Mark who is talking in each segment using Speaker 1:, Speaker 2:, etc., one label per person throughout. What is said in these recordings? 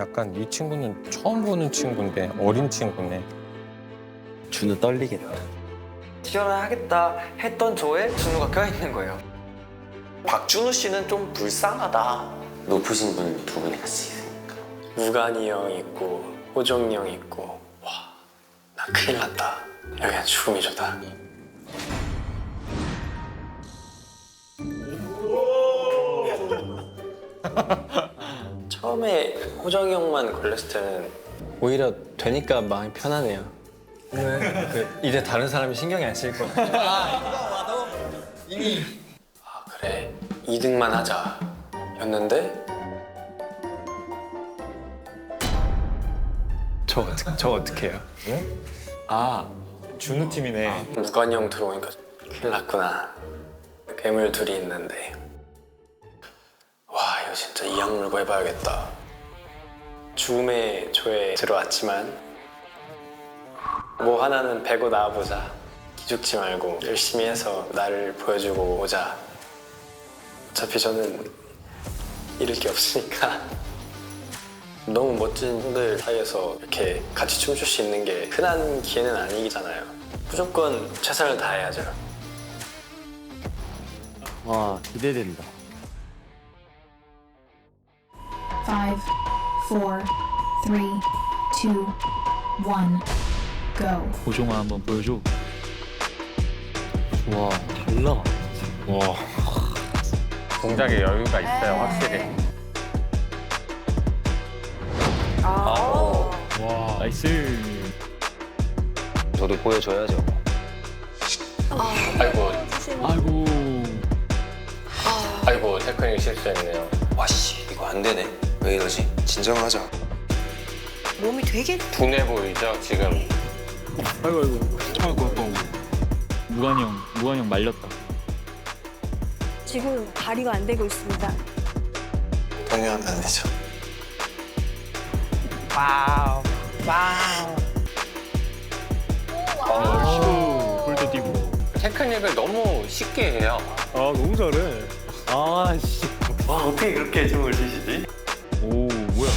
Speaker 1: 약간 이 친구는 처음 보는 친구인데 어린 친구네.
Speaker 2: 준우 떨리겠다.
Speaker 3: 시연을 하겠다 했던 저에 준우가 껴있는 거예요.
Speaker 2: 박준우 씨는 좀 불쌍하다. 높으신 분 두 분이 같이 있으니까.
Speaker 4: 무관이 형 있고 호종이 형 있고 와, 나 큰일 났다. 여기는 죽음이 좋다. 처음에 호정이 형만 걸렸을 때는 오히려 되니까 마음이 편하네요. 왜? 이제 다른 사람이 신경이 안 쓰일 거야. 아, 그래. 2등만 하자. 였는데 저 어떻게 해요?
Speaker 1: 아, 준우 팀이네.
Speaker 4: 무관이 형 들어오니까 큰일 났구나. 괴물 둘이 있는데 와, 이거 진짜 이악 물고 해봐야겠다. 죽음의 조에 들어왔지만 뭐 하나는 베고 나와보자. 기죽지 말고 열심히 해서 나를 보여주고 오자. 어차피 저는 잃을 게 없으니까. 너무 멋진 형들 사이에서 이렇게 같이 춤출 수 있는 게 흔한 기회는 아니잖아요. 무조건 최선을 다해야죠.
Speaker 2: 와, 기대된다.
Speaker 5: 5, 4, 3, 2, 1, go.
Speaker 6: 고종아 한번 보여줘.
Speaker 2: 와, 달라.
Speaker 1: 와. 동작에 여유가 있어요, 확실히.
Speaker 6: 와, 나이스.
Speaker 2: 저도 보여줘야죠.
Speaker 4: 아이고,
Speaker 6: 아이고.
Speaker 4: 아이고, 태클이 실수했네요.
Speaker 2: 와씨, 이거 안 되네. 왜 이러지? 진정하자.
Speaker 7: 몸이 되게
Speaker 1: 둔해 보이죠, 지금?
Speaker 6: 아이고. 무관이 형 말렸다.
Speaker 7: 지금 발휘가 안 되고 있습니다.
Speaker 4: 동요하면 안 되죠.
Speaker 6: 볼도 뛰고.
Speaker 1: 테크닉을 너무 쉽게 해요.
Speaker 4: 와, 어떻게 그렇게 춤을 추시지?
Speaker 6: 오, 뭐야?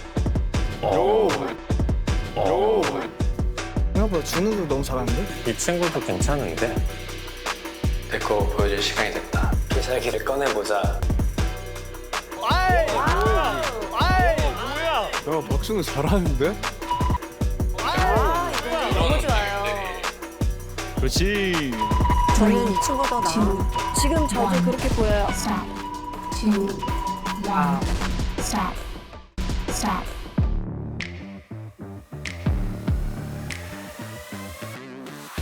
Speaker 8: 생각보다 준우도 너무 잘하는데?
Speaker 1: 이 친구도 괜찮은데?
Speaker 4: 데코 보여줄 시간이 됐다. 필살기를 꺼내보자.
Speaker 8: 야, 박준우 잘하는데?
Speaker 7: 너무 좋아요.
Speaker 6: 그렇지.
Speaker 7: 저는 이 친구가 더 나아. 지금 저도 그렇게 보여요.
Speaker 5: Stop. 2, 1, stop. Stop.